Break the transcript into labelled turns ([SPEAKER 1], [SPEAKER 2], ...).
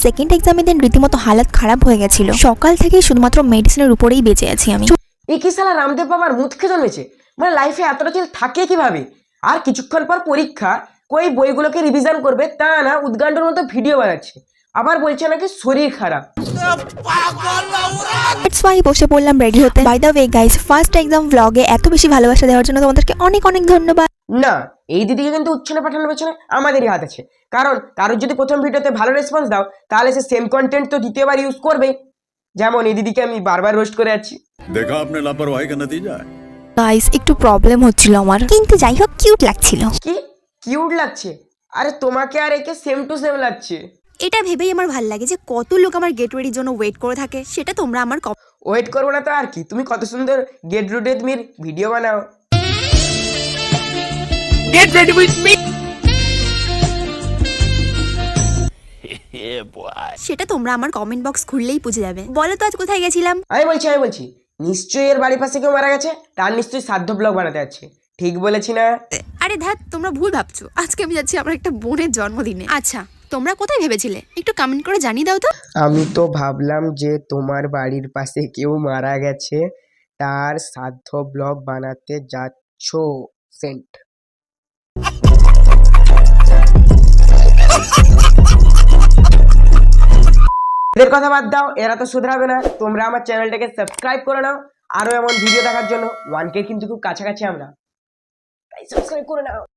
[SPEAKER 1] Second এক্সামে দিন রীতিমতো হালাত খারাপ হয়ে গেছিল। সকাল থেকে শুধুমাত্র মেডিসিনের উপরেই বেঁচে আছি আমি।
[SPEAKER 2] এই কি সালা রামদেব বাবার মুখ খেয়ে জন্মেছে, মানে লাইফে এতটা চিল থাকে কিভাবে? আর কিছুক্ষণ পর পরীক্ষা, কই বইগুলোকে রিভিশন করবে তা না, উদ্গান্ডর মতো ভিডিও বানাচ্ছে, আবার বলছে নাকি শরীর খারাপ।
[SPEAKER 1] দ্যাটস ওয়াই বসে পড়লাম রেডি হতে। By the way guys, first exam ব্লগে এত বেশি ভালোবাসা দেওয়ার জন্য তোমাদেরকে অনেক অনেক ধন্যবাদ।
[SPEAKER 2] না, এই দিদিকে কিন্তু উচ্ছনে পাঠানোর পেছনে আমাদেরই হাত আছে, কারণ কারোর যদি প্রথম ভিডিওতে ভালো রেসপন্স দাও তাহলে সে সেম কন্টেন্ট তো দ্বিতীয়বার ইউজ করবেই। যেমন এই দিদিকে আমি বারবার রোস্ট করে যাচ্ছি।
[SPEAKER 3] देखा आपने लापरवाही का नतीजा है।
[SPEAKER 1] গাইস একটু প্রবলেম হচ্ছিল আমার, কিন্তু যাই হোক কিউট লাগছিল।
[SPEAKER 2] কি কিউট লাগছে? আরে তোমাকে আর একে সেম টু সেম লাগছে।
[SPEAKER 1] এটা ভেবেই আমার ভালো লাগে যে কত লোক আমার গেট রেডির জন্য ওয়েট করে থাকে, সেটা তোমরা আমার
[SPEAKER 2] ওয়েট করবো না তো আর কি, তুমি কত সুন্দর গেট রুটে তুমি ভিডিও বানাও। Get ready with me.
[SPEAKER 1] সেটা তোমরা আমার কমেন্ট বক্স খুললেই বুঝে যাবে। বলো তো আজ কোথায় গেছিলাম?
[SPEAKER 2] আমি বলছি নিশ্চয়ই এর বাড়ির পাশে কেউ মারা গেছে, তার নিশ্চয়ই শ্রাদ্ধ ব্লগ বানাতে যাচ্ছে। ঠিক বলেছি না?
[SPEAKER 1] আরে ধ্যাত, তোমরা ভুল ভাবছো। আজকে আমি যাচ্ছি আমার একটা বোনের জন্মদিনে। আচ্ছা তোমরা কোথায় ভেবেছিলে একটু কমেন্ট করে জানিয়ে দাও তো।
[SPEAKER 2] আমি তো ভাবলাম যে তোমার বাড়ির পাশে কেউ মারা গেছে, তার শ্রাদ্ধ ব্লগ বানাতে যাচ্ছ। সেন্ট। এদের কথা বাদ দাও, এরা তো শুধরাবে না। তোমরা আমার চ্যানেলটাকে সাবস্ক্রাইব করে নাও, আরো এমন ভিডিও দেখার জন্য। 1K কিন্তু খুব কাছাকাছি আমরা, তাই সাবস্ক্রাইব করে নাও।